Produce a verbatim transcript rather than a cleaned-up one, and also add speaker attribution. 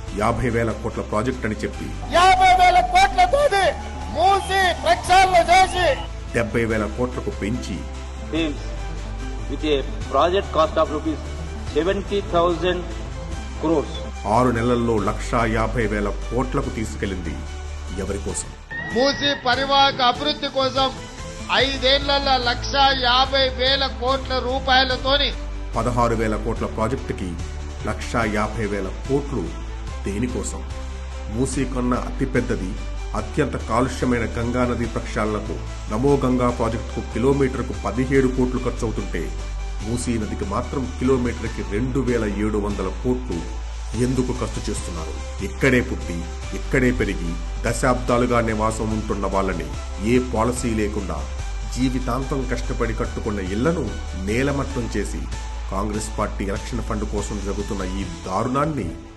Speaker 1: యాభై వేల కోట్ల ప్రాజెక్ట్ అని చెప్పి
Speaker 2: యాభై వేల కోట్లతో మూసి ప్రక్షాళన చేసి
Speaker 1: డెబ్బై వేల కోట్లకు పెంచి
Speaker 3: with a project cost of rupees seventy thousand crores
Speaker 1: ఆరు నెలల్లో లక్షా యాభై వేల కోట్లకు తీసుకెళ్లింది ఎవరి కోసం?
Speaker 2: మూసి పరివాహక అభివృద్ధి కోసం ఐదేళ్లలో లక్ష యాభై వేల కోట్ల రూపాయలతోని
Speaker 1: పదహారు వేల కోట్ల ప్రాజెక్టుకి లక్షా యాభై వేల కోట్లు దేనికోసం? మూసీ కన్నా అతిపెద్దది, అత్యంత కాలుష్యమైన గంగా నది ప్రక్షాళనకు నమో గంగా ప్రాజెక్టుకు కిలోమీటర్కు పదిహేడు కోట్లు ఖర్చవుతుంటే మూసీ నదికి మాత్రం కిలోమీటర్కి రెండు వేల ఏడు వందల కోట్లు ఎందుకు ఖర్చు చేస్తున్నారు? ఇక్కడే పుట్టి ఇక్కడే పెరిగి దశాబ్దాలుగా నివాసం ఉంటున్న వాళ్ళని ఏ పాలసీ లేకుండా జీవితాంతం కష్టపడి కట్టుకున్న ఇళ్లను నేలమట్టం చేసి కాంగ్రెస్ పార్టీ ఎలక్షన్ ఫండ్ కోసం జరుగుతున్న ఈ దారుణాన్ని